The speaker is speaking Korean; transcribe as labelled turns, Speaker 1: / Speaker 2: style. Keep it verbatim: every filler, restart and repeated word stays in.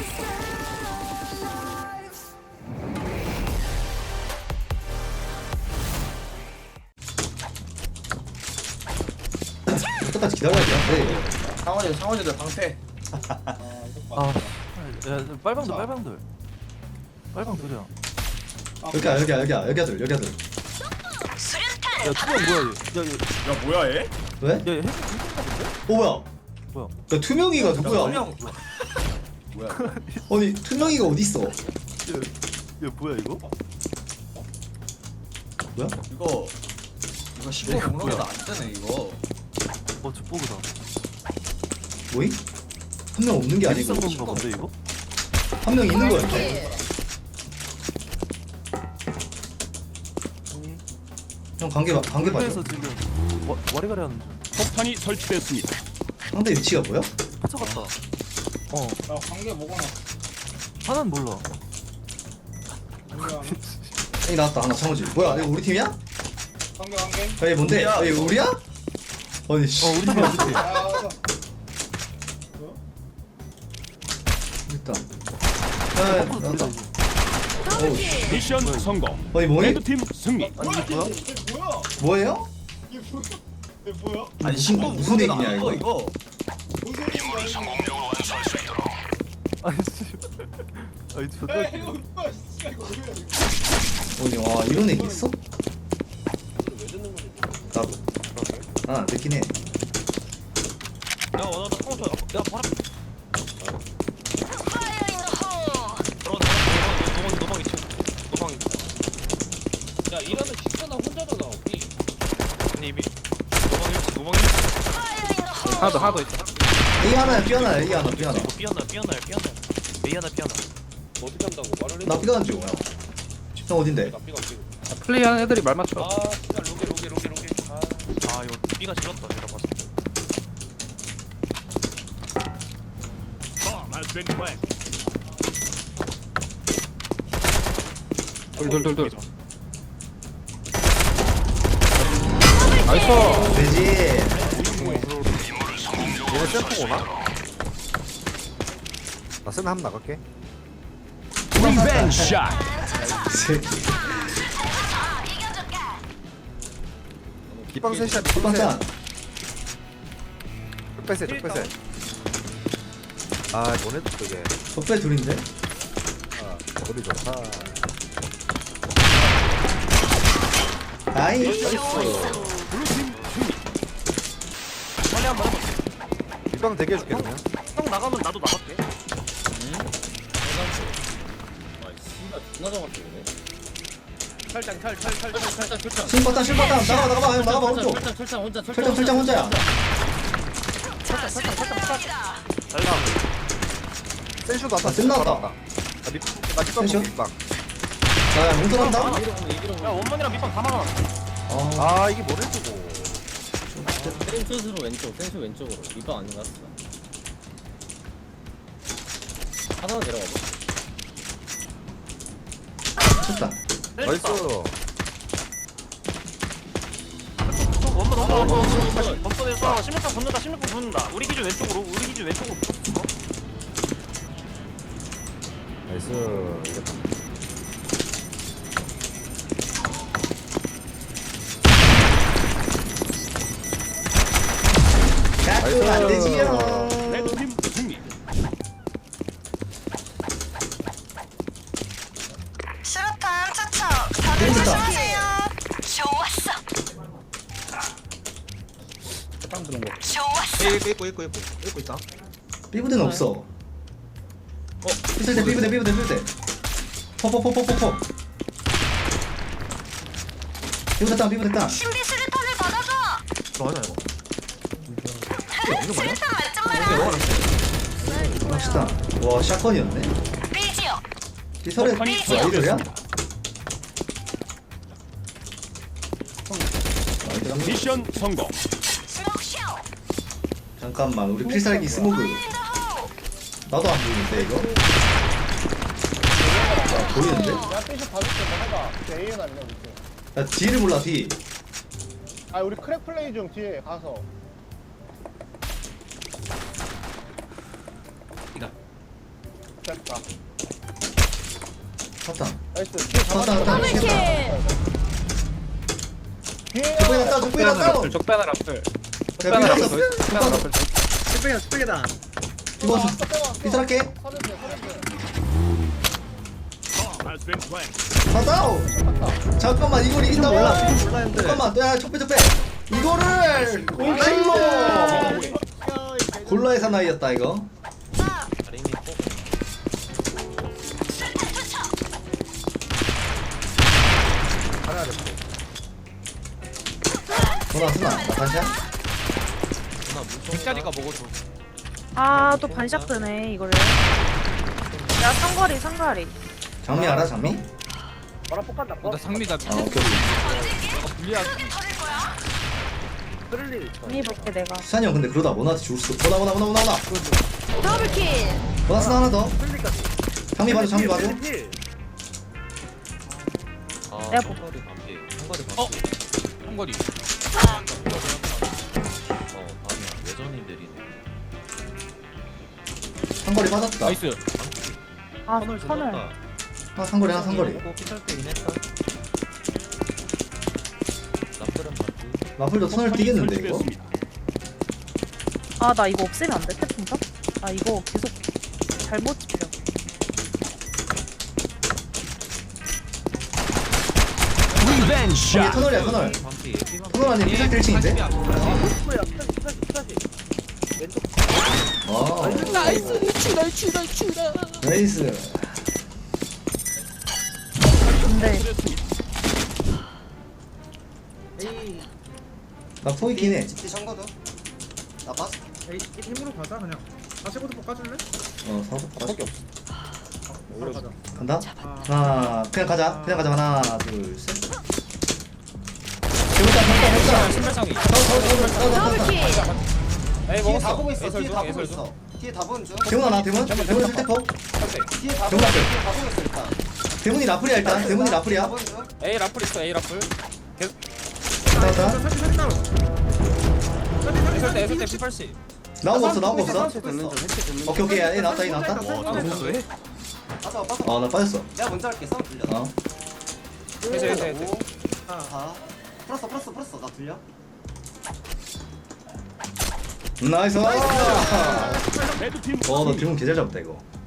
Speaker 1: 끝까지 기다려야 돼.
Speaker 2: 상원이 상원이들 방패.
Speaker 3: 아, 야, 빨방돌, 빨방돌. 빨방돌이야.
Speaker 1: 여기야 여기야 여기야 여기야 들 여기야 들.
Speaker 3: 야, 투명 뭐야, 얘. 야,
Speaker 2: 야 뭐야 얘?
Speaker 1: 왜?
Speaker 3: 얘, 얘, 해수 인가 본데?
Speaker 1: 어 뭐야?
Speaker 3: 뭐야?
Speaker 1: 야 투명이가 누구야?
Speaker 2: 투명. 뭐야?
Speaker 1: 아니 투명이가 어디 있어?
Speaker 3: 얘, 얘 뭐야, 이거?
Speaker 1: 뭐야?
Speaker 2: 이거 이거 십오
Speaker 3: 이거
Speaker 2: 공로보다
Speaker 3: 뭐야?
Speaker 2: 안 뜨네 이거.
Speaker 3: 어, 저 뽀그다.
Speaker 1: 뭐임? 한 명 없는 게 아니고
Speaker 3: 비싼 건가 본데, 이거?
Speaker 1: 한 명 있는 거였네. 형 관계 봐- 관계 봐줘.
Speaker 3: 에서 지금 와, 와리가리 하는 중.
Speaker 4: 폭탄이 설치됐습니다.
Speaker 1: 상대 위치가 뭐야?
Speaker 3: 갇혀갔다. 어,
Speaker 5: 야 관계 뭐가 나?
Speaker 3: 하나는 몰라.
Speaker 5: 관계
Speaker 1: 여기 나왔다 하나 창호지. 뭐야 이거 우리 팀이야?
Speaker 5: 관계 관계.
Speaker 1: 야, 얘 뭔데?
Speaker 2: 우리야.
Speaker 1: 야, 이거 우리야? 아니 씨.
Speaker 3: 어, 우리 팀이야, 우리 팀.
Speaker 5: 아 맞아.
Speaker 1: 일단. 야,
Speaker 3: 거꾸로
Speaker 1: 나왔다.
Speaker 3: 돌리자, 이거.
Speaker 1: 어우 씨.
Speaker 4: 미션 성공.
Speaker 1: 아니 뭐니?
Speaker 4: 레드팀 승리.
Speaker 3: 아니, 이게 뭐야?
Speaker 5: 이게 뭐야?
Speaker 1: 뭐예요?
Speaker 5: 이게 뭐야? 이게 뭐야?
Speaker 2: 아니
Speaker 1: 친구
Speaker 2: 십오
Speaker 1: 무슨
Speaker 2: 공로보다
Speaker 1: 얘기냐,
Speaker 2: 안 떠,
Speaker 1: 이거?
Speaker 5: 무슨 일이야?
Speaker 3: 아니, 씨. 아니, 존나
Speaker 5: 야
Speaker 3: 웃기네.
Speaker 5: 이거 뭐야? 진짜 이거 뭐야?
Speaker 1: 아니 와 이런 애기 있어? 나도. 난안 듣긴 해.
Speaker 2: 야 원하다 상원 저. 야 바람. 노방 노방 있지. 노방.
Speaker 5: 야 이러면 진짜 나 혼자잖아.
Speaker 2: 아니 이미 노방 일치 노방 일치.
Speaker 5: 하나 더 하나 더 있다.
Speaker 1: A 하나야 B 하나야 A 하나 B 하나.
Speaker 2: 이거 삐었나 삐었나요 삐었나. 메이 하나 삐었나.
Speaker 5: 어떻게 한다고 말을 해?
Speaker 1: 나 B 가는 중. 형. 형 어딘데?
Speaker 5: 삐가 삐가.
Speaker 6: 플레이하는 애들이 말 맞춰.
Speaker 5: 아 진짜 로게 로게 로게 로게. 아
Speaker 2: 아 이거 삐가 질렀다 내가 봤을 때.
Speaker 4: Bomb has been planted.
Speaker 6: 돌돌돌돌. 나이스.
Speaker 1: 되지.
Speaker 6: 얘네 셀프 오나? 나 셀프 한번 나갈게.
Speaker 4: 리벤지 샷.
Speaker 6: 기방 셋이야.
Speaker 1: 빵짱.
Speaker 6: 적배세 적배세. 아 보내도 그게.
Speaker 1: 적배 둘인데?
Speaker 6: 아 거리 좋다.
Speaker 1: 아이.
Speaker 4: 블루팀 승리.
Speaker 2: 빨리 한번 해봐.
Speaker 6: 기방 대기 해줄게 그러면.
Speaker 2: 형 나가면 나도 나갈게.
Speaker 5: 탈탈탈탈탈탈탈 출장.
Speaker 1: 신바탄 신바탄 나가 나가봐 형 나가봐 오른쪽.
Speaker 5: 출장 출장 혼자
Speaker 1: 철장 철장 혼자야.
Speaker 6: 센슈도 왔다.
Speaker 1: 아, 끝났다.
Speaker 6: 나 밑, 나 기방
Speaker 1: 센슈?
Speaker 6: 기방.
Speaker 1: 나 용서한다.
Speaker 2: 야 원만이랑 밑방 다 막아.
Speaker 1: 아
Speaker 6: 아 이게 뭘 해주고.
Speaker 7: 센슛으로 왼쪽, 센슛 왼쪽으로. 이거 아닌가? 하나만 내려가봐.
Speaker 1: 좋다.
Speaker 6: 나이스.
Speaker 2: 원만 원만 원만 원만 원만에서 십육번 붙는다 십육번 붙는다. 우리 기준 왼쪽으로 우리 기준 왼쪽으로 붙었어.
Speaker 6: 나이스. 이겼다.
Speaker 1: 가끔 안 되지요.
Speaker 4: 레드팀 승리.
Speaker 8: 수류탄 투척 다들
Speaker 1: 재밌다.
Speaker 8: 조심하세요. 좋았어.
Speaker 5: 땅 들어온 거.
Speaker 8: 좋았어.
Speaker 2: 일고 일고 일고 일고 일고 있다.
Speaker 1: 삐부대는 없어. 어, 삐부대 삐부대 삐부대 삐부대. 포포포포포포. 삐부대 땅 삐부대 땅.
Speaker 8: 신비 수류탄을 받아줘.
Speaker 2: 좋아하냐 이거.
Speaker 8: 수류탄 맞좀 마라.
Speaker 1: 갑시다. 와 샷건이었네.
Speaker 8: 삐지요.
Speaker 1: 삐설에
Speaker 4: 폭탄이
Speaker 1: 아이들이야?
Speaker 4: 설치됐습니다. 미션 성공.
Speaker 8: 스모크쇼.
Speaker 1: 잠깐만 우리 필살기 스모그. 나도 안 보이는데 이거? 아, 보이는데?
Speaker 5: 야 삐쇼 봐줄게 뭐 해봐. 에이엔 아니냐 우리.
Speaker 1: 야 D를 몰라 D.
Speaker 5: 아 우리 크랙 플레이 중 뒤에 가서. 자 뺐다.
Speaker 1: 사탄.
Speaker 5: 나이스. 뒤에
Speaker 1: 사탄,
Speaker 5: 잡았어.
Speaker 1: 사탄.
Speaker 8: 더블킬.
Speaker 5: 뒤에
Speaker 1: 적배나 따, 적배나 따.
Speaker 2: 적배나 라플.
Speaker 1: 야, 밀었어.
Speaker 2: 적배나 라플.
Speaker 3: 스펙이다 스펙이다.
Speaker 1: 이거
Speaker 5: 아까 빼왔어.
Speaker 1: 비쌀게.
Speaker 5: 서른대 서른대.
Speaker 4: Bomb has been planted.
Speaker 1: 가다오. 잠깐만 이걸 이긴다고?
Speaker 3: 몰라 몰라 했는데.
Speaker 1: 잠깐만, 야 적배 적배. 이거를 골킬로. 골라의 사나이였다 이거. 전화 쓰나? 나 반샷?
Speaker 2: 백짜리가 먹어줘.
Speaker 9: 아, 또 반샷 뜨네, 이거를. 야, 상거리, 상거리.
Speaker 1: 장미 알아 장미?
Speaker 5: 바로 뽑간다.
Speaker 2: 나 상미다.
Speaker 1: 아 오케이 오케이.
Speaker 2: 불리하게.
Speaker 9: 언니 볼게, 내가.
Speaker 1: 수찬이 형 근데 그러다 모나한테 죽을 수도. 모나 모나 모나 모나 모나.
Speaker 8: 더블킬.
Speaker 1: 모나 쓰나 하나 더. 장미 봐줘 장미 봐줘.
Speaker 9: 내가 볼게.
Speaker 2: 어? 한거리.
Speaker 1: 상거리 빠졌다.
Speaker 2: 나이스.
Speaker 9: 아, 선을.
Speaker 1: 아 상거리 하나 상거리. 라플도 선을 뛰겠는데 이거?
Speaker 4: 설치됐습니다.
Speaker 9: 아, 나 이거 없애면 안 돼, 태풍선? 아, 이거 계속 잘못 집혀.
Speaker 1: 이게 터널이야 터널. 터널 아니면 피살 일 층인데? 아 나이스 추다 추다 추다. 나이스.
Speaker 9: 근데,
Speaker 1: 나 포기 기네.
Speaker 3: 에이 힘으로 가자 그냥. 다시부터 볶아줄래?
Speaker 1: 어 사고 밖에 없어.
Speaker 3: 바로 가자.
Speaker 1: 간다?
Speaker 3: 아.
Speaker 1: 하나 그냥 가자 그냥 가자 하나 둘 셋. 재밌다 재밌다 재밌다.
Speaker 2: 신발상이.
Speaker 8: 더블킬.
Speaker 2: 에이 먹었어.
Speaker 5: 다 보고 있어.
Speaker 2: 예설
Speaker 5: 뒤에
Speaker 2: 중
Speaker 5: 다 보고
Speaker 2: 예설 중.
Speaker 5: 있어. 뒤에 다 보는 중.
Speaker 1: 대문 하나 대문 대문 실태포.
Speaker 5: 뒤에 다
Speaker 1: 대문
Speaker 5: 보고
Speaker 1: 앞에.
Speaker 5: 있어. 다 보고 있어 일단.
Speaker 1: 대문이 라플이야 일단 대문이
Speaker 5: 다
Speaker 1: 라플이야.
Speaker 5: 보는 중.
Speaker 2: 에이 라플 있어. 에이 라플.
Speaker 1: 나왔다.
Speaker 3: 사진 사진 따로.
Speaker 2: 예설 때 예설 때 피팔씨.
Speaker 1: 나온 거 없어 나온 거 없어.
Speaker 5: 듣는 중.
Speaker 1: 오케이 오케이 얘 나왔다 얘 나왔다.
Speaker 5: 빠져 빠져.
Speaker 1: 어 나 빠졌어.
Speaker 5: 내가 먼저 할게. 싸움 들려.
Speaker 1: 어.
Speaker 2: 해제 해제 해제.
Speaker 5: 다. 풀었어 풀었어 풀었어. 나 들려?
Speaker 1: 나이스.
Speaker 4: 레드팀
Speaker 1: 어나 대문 개잘 잡았다 이거.